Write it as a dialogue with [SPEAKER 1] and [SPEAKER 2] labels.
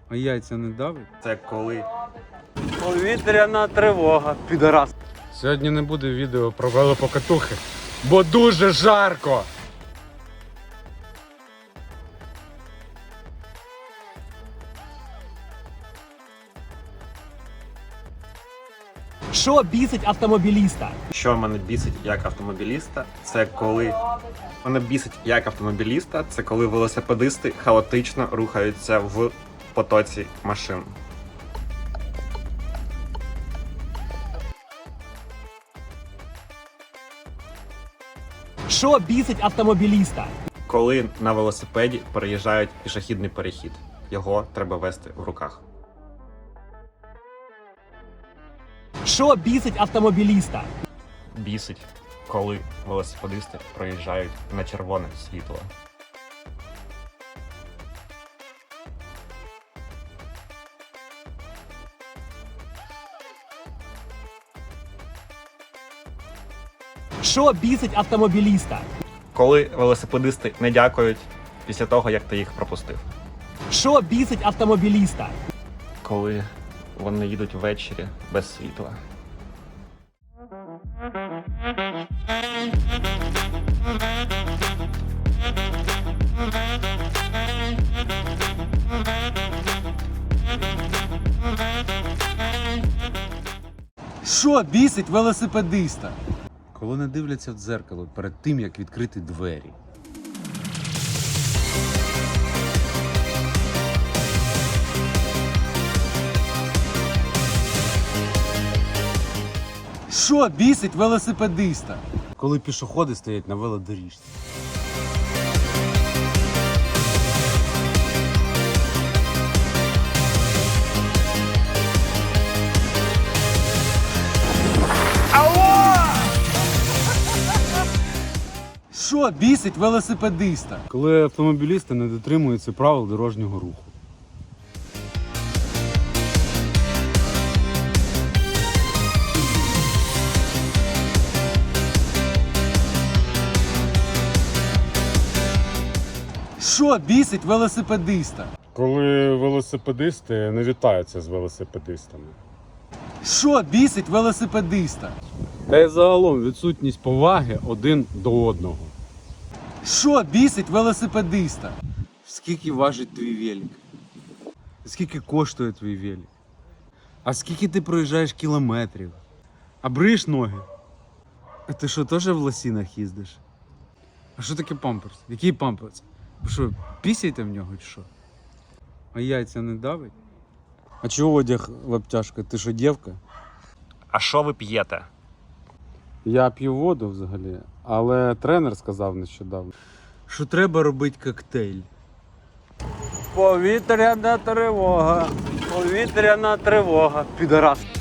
[SPEAKER 1] А яйця не давить?
[SPEAKER 2] Це коли
[SPEAKER 1] Повітряна тривога, підарас. Сьогодні не буде відео про велопокатухи, бо дуже жарко.
[SPEAKER 3] Що бісить автомобіліста?
[SPEAKER 2] Що мене бісить як автомобіліста, це коли мене бісить як автомобіліста, це коли велосипедисти хаотично рухаються в потоці машин.
[SPEAKER 3] Що бісить автомобіліста?
[SPEAKER 2] Коли на велосипеді переїжджають пішохідний перехід, його треба вести в руках.
[SPEAKER 3] Що бісить автомобіліста?
[SPEAKER 2] Бісить, коли велосипедисти проїжджають на червоне світло.
[SPEAKER 3] Що бісить автомобіліста?
[SPEAKER 2] Коли велосипедисти не дякують після того, як ти їх пропустив.
[SPEAKER 3] Що бісить автомобіліста?
[SPEAKER 2] Коли вони їдуть ввечері без світла.
[SPEAKER 1] Що бісить велосипедиста? Коли не дивляться в дзеркало перед тим, як відкрити двері. Що бісить велосипедиста? Коли пішоходи стоять на велодоріжці. Що бісить велосипедиста? Коли автомобілісти не дотримуються правил дорожнього руху. Що бісить велосипедиста?
[SPEAKER 4] Коли велосипедисти не вітаються з велосипедистами.
[SPEAKER 1] Що бісить велосипедиста? Та й загалом відсутність поваги один до одного. Що бісить велосипедиста? Скільки важить твій велик? Скільки коштує твій велик? А скільки ти проїжджаєш кілометрів? А бриєш ноги? А ти що, теж в лосінах їздиш? А що таке памперс? Який памперс? Ви що, пісяєте в нього чи що? А яйця не давить? А чого одяг в обтяжку? Ти що, дівка?
[SPEAKER 2] А що ви п'єте?
[SPEAKER 1] Я п'ю воду взагалі, але тренер сказав нещодавно, що треба робити коктейль. Повітряна тривога, підарас.